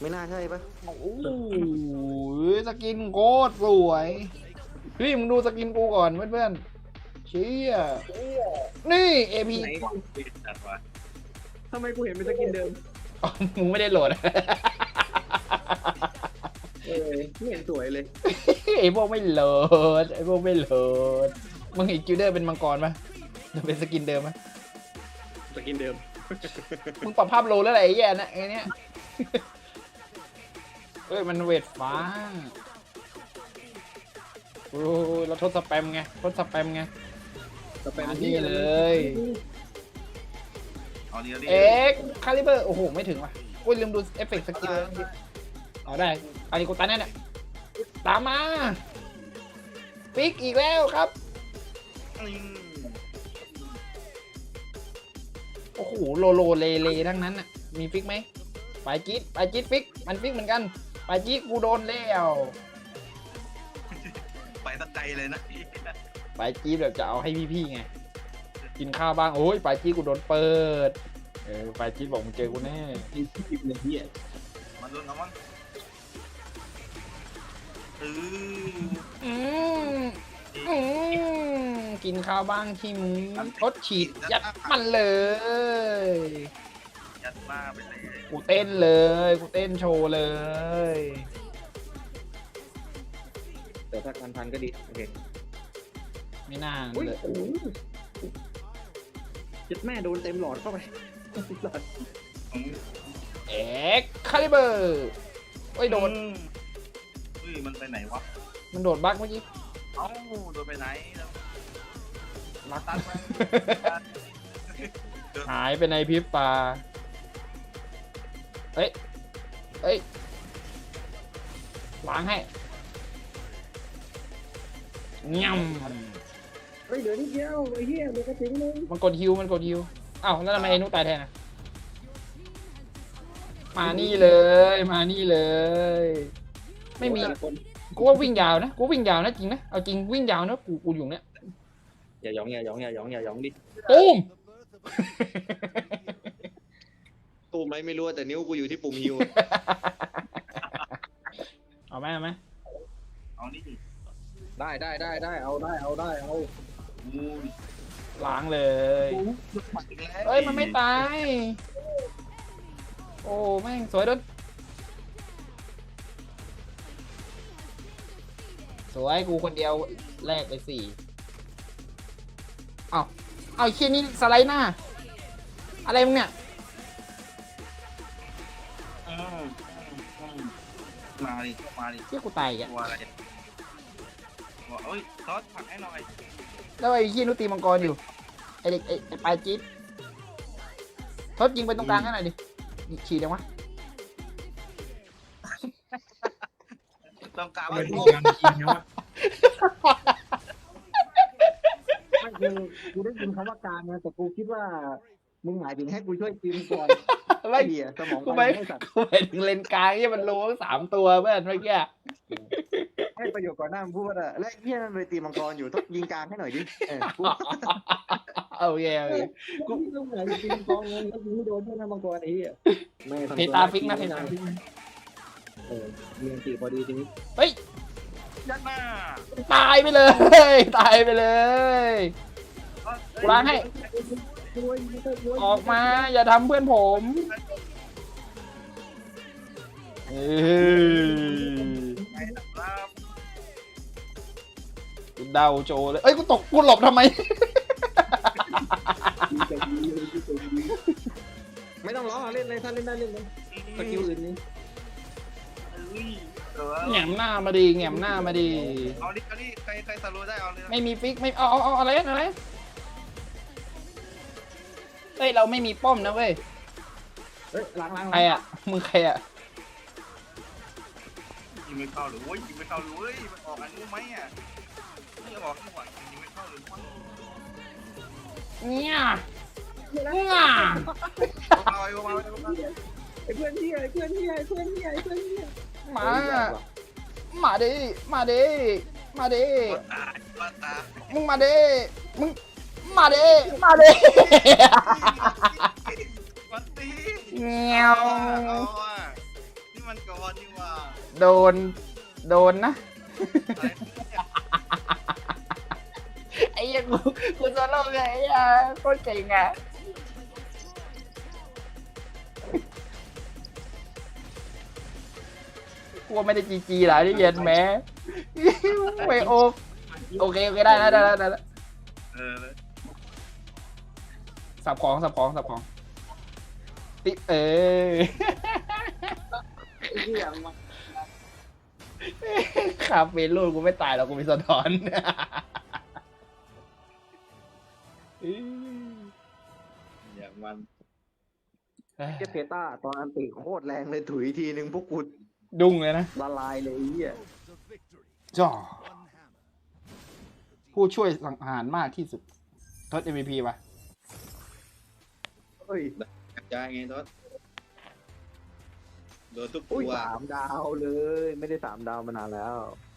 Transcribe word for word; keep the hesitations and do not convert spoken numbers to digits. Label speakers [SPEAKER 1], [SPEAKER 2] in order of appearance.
[SPEAKER 1] ไม่น่าใช่ปะ
[SPEAKER 2] โอ้โหสกินโคตรสวยพี่มึงดูสกินกูก่อนเพื่อนๆเชี่ยนี่เอพี
[SPEAKER 3] ไหน
[SPEAKER 4] จัดวะ
[SPEAKER 3] ทำไมกูเห็นเป็นสกินเดิม
[SPEAKER 2] มึงไม่ได้โหลด
[SPEAKER 3] เออไม่เห็นสวยเลย
[SPEAKER 2] ไอพวกไม่โหลดไอพวกไม่โหลดมึงเห็นกิลเดอร์เป็นมังกรปะจะเป็นสกินเดิมไหม
[SPEAKER 3] สกินเดิม
[SPEAKER 2] มึงปรับภาพโลแล้วอะไรไอ้แย่นะไอเนี้ยเอ้ยมันเวทฟ้าโอ้ยเราทดสแปมไงทดสแปมไง
[SPEAKER 3] ต่อไป
[SPEAKER 2] มานี่เลย
[SPEAKER 4] เอาเดียวดิ
[SPEAKER 2] เอ็กคาลิเบอร์โอ้โหไม่ถึงว่ะโอ้ยลืมดูเอฟเฟกต์สกิลเอาได้อันนี้กูตันแน่เนี่ยตามมาปิกอีกแล้วครับ
[SPEAKER 4] อืม
[SPEAKER 2] โอ้โหโลโลเลเลทั้งนั้นน่ะมีฟิกไหมไปจี๊ดไปจี๊ดฟิกมันฟิกเหมือนกันไปจี๊ดกูโดนแล้ว
[SPEAKER 4] ไปตะไกลเลยนะ
[SPEAKER 2] ไปจี๊ดแบบจะเอาให้พี่ๆไงกินข้าวบ้างโอ้ยไปจี๊ดกูโดนเปิดเออไปจี๊ดบอกมึงเจอกูแน่
[SPEAKER 3] ไอ้ที่เป็นเหี้ย
[SPEAKER 4] มันรุนเอามันเออ
[SPEAKER 2] อืมอืมกินข้าวบ้างที่มึงรถฉีดยัดมันเลย
[SPEAKER 4] ยัดหน้าไปเลย
[SPEAKER 2] กูเต้นเลยกูเต้นโชว์เลย
[SPEAKER 3] แต่ถ้าการพันก็ดีโอเค
[SPEAKER 2] ไม่น่า
[SPEAKER 3] อุ้ย
[SPEAKER 2] เลย
[SPEAKER 3] โอ้โหจ็ดแม่โดนเต็มหลอดเข้าไปหลอด
[SPEAKER 4] อืม
[SPEAKER 2] เอ็กคาลิเบอร์โอ้ยโดน
[SPEAKER 4] เฮ้ยมันไปไหนวะ
[SPEAKER 2] มันโดดบั๊กเมื่อกี้
[SPEAKER 4] เอ้าโดนไปไหน
[SPEAKER 2] บั๊ก
[SPEAKER 4] ตัดมา
[SPEAKER 2] หายไปในพริบตาเอ้ยเอ้ยล้างให้ง่
[SPEAKER 3] เฮ้ยเดี๋ยวนิดเดียวไอ้เหี้ยเดี๋ยวก็ถึงเลย
[SPEAKER 2] ำมันกดฮิวมันกดฮิวอ้าวแล้วทำไมไอ้นุตายแทนอ่ะมานี่เลยมานี่เลย ไม่มี
[SPEAKER 3] คน
[SPEAKER 2] กูว่าวิ่งยาวนะกูวิ่งยาวนะจริงนะเอาจริงวิ่งยาวนะกูกูอยู่เนี้ย
[SPEAKER 3] อย่าหยองอย่าหยองอย่าหยองอย่าหยองดิ
[SPEAKER 2] ตูม
[SPEAKER 1] ตูมไหมไม่รู้แต่นิ้วกูอยู่ที่ปุ่มฮิว
[SPEAKER 2] เอาไหมเอาไหม
[SPEAKER 4] เอานี่
[SPEAKER 3] ได้ได้ได้ได้เอาได้เอาได้เอา
[SPEAKER 4] อู้ย
[SPEAKER 2] ล้างเลย
[SPEAKER 4] อีกแล้ว
[SPEAKER 2] เอ้ยมันไม่ตายโอ้แม่งสวยด้วยสวยกูคนเดียวแลกไปสี่เอาเอาไอ้เคียนี่สไลด์หน้าอะไรมึงเนี่ย
[SPEAKER 4] อืมอืมมาดิมาดิ
[SPEAKER 2] เคียกูตายอีก
[SPEAKER 4] ก
[SPEAKER 2] อะ
[SPEAKER 4] ลัวอะไรกลัวเอ้ยซอสผักให้หน่อย
[SPEAKER 2] แล้วไอ้เคียนุตีมังกรอยู่ไอเด็กไอ้ไอ้ปลายจี๊ดทดยิงไปตรงกลางให้หน่อยดินี่ฉีดยังวะ
[SPEAKER 4] ต้องการ
[SPEAKER 3] ไม่
[SPEAKER 4] มัน
[SPEAKER 3] ถู
[SPEAKER 4] โง่
[SPEAKER 3] กกันจริงนะวะไม่คือกูได้ยินคำว่าการนะแต่กูคิดว่ามึงหมายถึงให้กูช่วยกินก่อน
[SPEAKER 2] ไม่
[SPEAKER 3] เหี้ยสมอง
[SPEAKER 2] กู
[SPEAKER 3] ไป
[SPEAKER 2] ไม่
[SPEAKER 3] ให้สัตว์
[SPEAKER 2] กูไปถึงเลนกลางที่มันโลงสามตัวเพื่อนเมื่อกี้
[SPEAKER 3] ให้ประโยชน์ก่อนหน้ามึงพูดว่า
[SPEAKER 1] และไอ้เฮียนั่นไปตีมังกรอยู่ต้องยิงกลางให้หน่อยดิเออกู
[SPEAKER 2] โอเคโอเค
[SPEAKER 3] กูต้องหมายถึงกินกองเงินแล้วกูไม่โดนด้วยนะมังกรไอ้เหี้ยไม่ทำ
[SPEAKER 2] เพตาฟิกนะเพตาฟิกนะ
[SPEAKER 3] เออมีอันตีพอดีทีนี้
[SPEAKER 2] เฮ้ย
[SPEAKER 4] ยัดหน้า
[SPEAKER 2] ตายไปเลย ตายไปเลย กูล้างให้ ออกมาอย่าทำเพื่อนผมเออ
[SPEAKER 4] ไอ้นะครับ
[SPEAKER 2] กูเดาโจเลยเอ้ยกูตกกูหลบทำไม
[SPEAKER 3] ไม่ต้องร้องเล่นเลยถ้าเล่นได้เล่นเลยสกิลอื่นนี่
[SPEAKER 4] เอ้ยเออ
[SPEAKER 2] แหงมหน้ามาดีแหงมหน้ามาดี
[SPEAKER 4] เอาดิเอาดิใครใครสโลว์ได้เอาเลยนะ
[SPEAKER 2] ไม่มีฟิกไม่เอาเอาเอาอะไรอะไรเฮ้ยเราไม่มีป้อมนะเว้ย
[SPEAKER 3] เฮ้ยล้างล้าง
[SPEAKER 2] ใครอ่ะมึงใครอ่ะ
[SPEAKER 4] ยิงไม่เข้าหรือโว้ยยิงไม่เข้าหรือเว้ยมันออกอันนู้นไหมอ่ะไม่ออกข้างหลังยิงไม่เข้าหรือวะ
[SPEAKER 2] เนี่ยเนี่ย
[SPEAKER 4] เอาไว้เอาไว้เอาไว้เอาไว้
[SPEAKER 3] ไอ้เพื่อนที่ไอ้เพื่อนที่ไอ้เพื่อนที่ไอ้เพื่อนที่
[SPEAKER 2] มามาดิมาดิมาดิ
[SPEAKER 4] ปวดตาปวดตา
[SPEAKER 2] มึงมาดิมึงมาดิมาดิ
[SPEAKER 4] วันตี
[SPEAKER 2] เงี้ยว
[SPEAKER 4] เอาอ่ะนี่มันมันก่อนนี่ว่า
[SPEAKER 2] โดนโดนนะ
[SPEAKER 4] อะไร
[SPEAKER 2] ไอ้ยังกูกูโซโล่ไงไอ้ยาโคตรเก่งอ่ะกลัวไม่ได้จีจีหรอที่เย็นแม้ไม่โอโอเคโอเคได้แล้วได้แล้วได้แล้ว
[SPEAKER 4] เออ
[SPEAKER 2] สับของสับของสับของติเออ
[SPEAKER 3] ไอ้เหี้ยมา
[SPEAKER 2] คาเฟ่ลูนกูไม่ตายหรอกกูมีสะท้อน
[SPEAKER 4] อย่างมัน
[SPEAKER 3] เจเพต้าตอนอันติโคตรแรงเลยถุยทีนึงพวกกู
[SPEAKER 2] ดุ้งเลยนะ
[SPEAKER 3] ละลายเลยไอ้เหี้ย
[SPEAKER 2] จ่อผู้ช่วยสังหารมากที่สุดทด เอ็ม วี พี ป่ะ
[SPEAKER 3] เฮ้ย
[SPEAKER 4] ใจไงทศโดนทุก
[SPEAKER 3] อุ้ย
[SPEAKER 4] ตัว
[SPEAKER 3] สามดาวเลย ไม่ได้สามดาวมานานแล้ว
[SPEAKER 4] เ